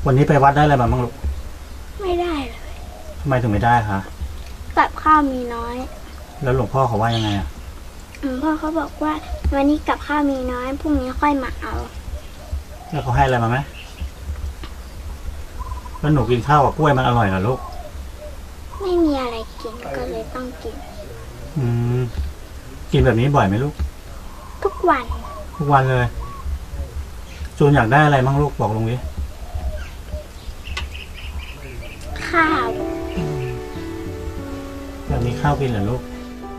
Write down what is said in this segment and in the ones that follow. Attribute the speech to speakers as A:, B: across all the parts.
A: วันนี้ไปวัดได้อะไรมาบ้างลูก
B: ไม่ได้เลย
A: ทำไมถึงไม่ได้คะ
B: กับข้าวมีน้อย
A: แล้วหลวงพ่อเขาว่ายังไงอ่ะ
B: หลวงพ่อเขาบอกว่าวันนี้กับข้าวมีน้อยพรุ่งนี้ค่อยมาเอา
A: แล้วเขาให้อะไรมาไหมแล้วหนูกินข้าวกับกล้วยมันอร่อยเหรอลูก
B: ไม่มีอะไรกินก็เลยต้องกิน
A: กินแบบนี้บ่อยไหมลูก
B: ทุกวัน
A: เลยจูนอยากได้อะไรบ้างลูกบอกลุงดิ
B: ข้าว
A: อยากมีข้าวกินเหรอลูก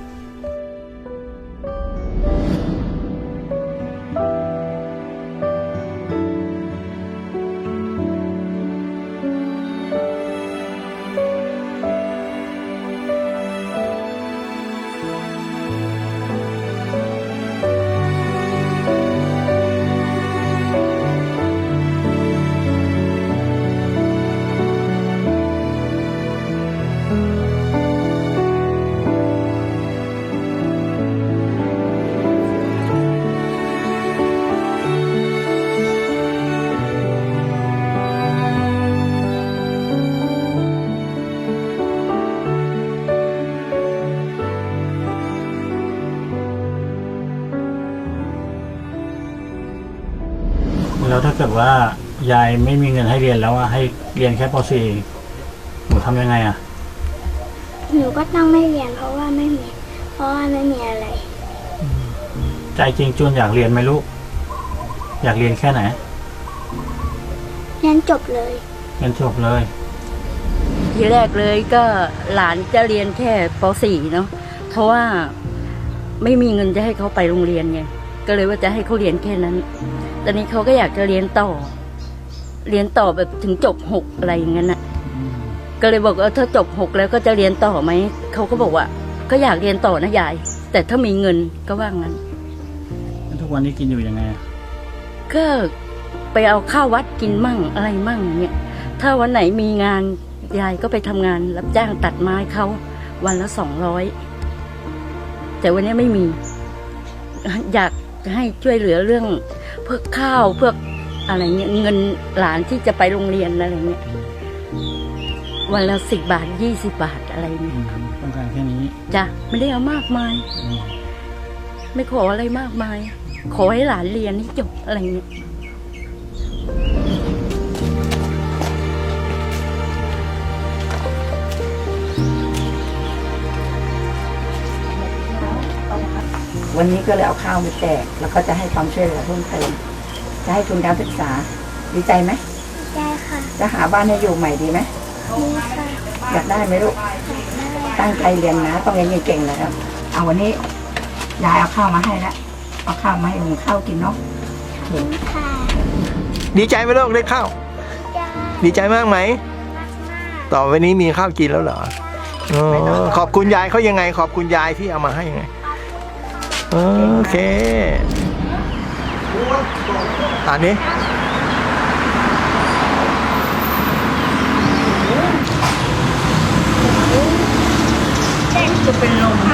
A: แล้วถ้าเกิดว่ายายไม่มีเงินให้เรียนแล้วให้เรียนแค่ป .4 หนูทำยังไงอ่ะ
B: หนูก็ต้องไม่เรียนเพราะว่าไม่มีอะไร
A: ใจจริงจูนอยากเรียนไหมลูกอยากเรียนแค่ไหน
B: เรียนจบเลย
C: ทีแรกเลยก็หลานจะเรียนแค่ป .4 เนาะเพราะว่าไม่มีเงินจะให้เขาไปโรงเรียนไงก็เลยว่าจะให้เขาเรียนแค่นั้นตอนนี้เขาก็อยากจะเรียนต่อแบบถึงจบ6อะไรอย่างนั้นน่ะก็เลยบอกว่าถ้าจบ6แล้วก็จะเรียนต่อไหมเขาก็บอกว่าก็อยากเรียนต่อนะยายแต่ถ้ามีเงินก็ว่างั้น
A: ทุกวันนี้กินอยู่ยังไง
C: ก็ไปเอาข้าววัดกินมั่งอะไรมั่งเนี่ยถ้าวันไหนมีงานยายก็ไปทำงานรับจ้างตัดไม้เขาวันละ200แต่วันนี้ไม่มีอยากให้ช่วยเหลือเรื่องพวกข้าวพวกอะไรเงี้ยเงินหลานที่จะไปโรงเรียนอะไรเงี้ยวันละ10 บาท20 บาทอะไรเงี้ย
A: ต้องการแค่นี้
C: จ้ะไม่ได้เอามากมายไม่ขออะไรมากมายขอให้หลานเรียนให้จบอะไรเงี้ย
D: วันนี้ก็เลยเอาข้าวมาแจกแล้วก็จะให้ความช่วยเหลือเพิ่มเติมจะให้ทุนการศึกษาดีใจไหม
B: ได้ค่ะ
D: จะหาบ้านให้อยู่ใหม่ดีไหม
B: ดีค่ะ
D: อยากได้ไหมลูกตั้งใจเรียนนะต้องเรียนเก่งๆนะครับเอาวันนี้ยายเอาข้าวมาให้แล้วเอาข้าวมาให้หุงข้าวกินเนาะ
B: เห็นค่ะ
E: ดีใจไหมลูกได้ข้าวดีใจมากไหมต่อไปนี้มีข้าวกินแล้วเหรอขอบคุณยายเขายังไงขอบคุณยายที่เอามาให้ยังไงโอเคอันนี้
C: จะเป็นลม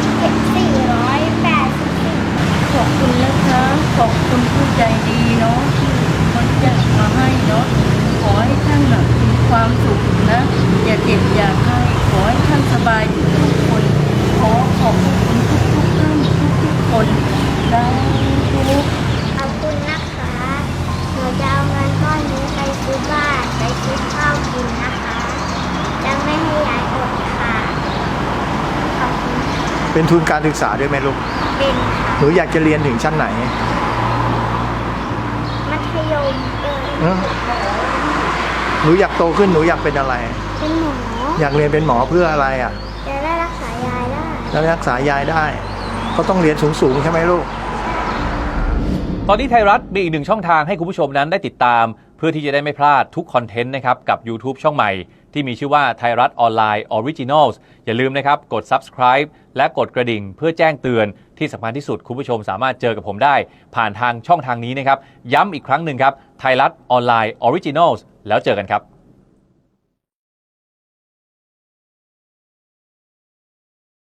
B: 484
C: ขอบคุณนะคะขอบคุณผู้ใจดีเนาะที่คนจะมาให้เนาะขอให้ท่านมีความสุขนะอย่าเจ็บอย่าไข้ขอให้ท่านสบายทุกคนขอขอบคุณทุกท่านทุกคนได้
B: ขอบคุณนะคะหนูจะเอาเงินก้อนนี้ไปซื้อบ้านไปซื้อข้าวกินนะคะจะไม่ให้ยายอดค่ะขอบคุณ
E: เป็นทุนการศึกษาด้วยไหมลูก
B: เป็นค่ะ
E: หนูอยากจะเรียนถึงชั้นไหน
B: มัธยม
E: หนูอยากโตขึ้นหนูอยากเป็นอะไร
B: เป็นหมอ
E: อยากเรียนเป็นหมอเพื่ออะไร
B: จะได้รักษายายได้
E: รักษายายได้ก็ต้องเรียนสูงใช่ไหมลูก
F: ตอนนี้ไทยรัฐมีอีกหนึ่งช่องทางให้คุณผู้ชมนั้นได้ติดตามเพื่อที่จะได้ไม่พลาดทุกคอนเทนต์นะครับกับ YouTube ช่องใหม่ที่มีชื่อว่าไทยรัฐออนไลน์ Originals อย่าลืมนะครับกด Subscribe และกดกระดิ่งเพื่อแจ้งเตือนที่สำคัญที่สุดคุณผู้ชมสามารถเจอกับผมได้ผ่านทางช่องทางนี้นะครับย้ำอีกครั้งหนึ่งครับไทยรัฐออนไลน์ Originals แล้วเจอกันครับ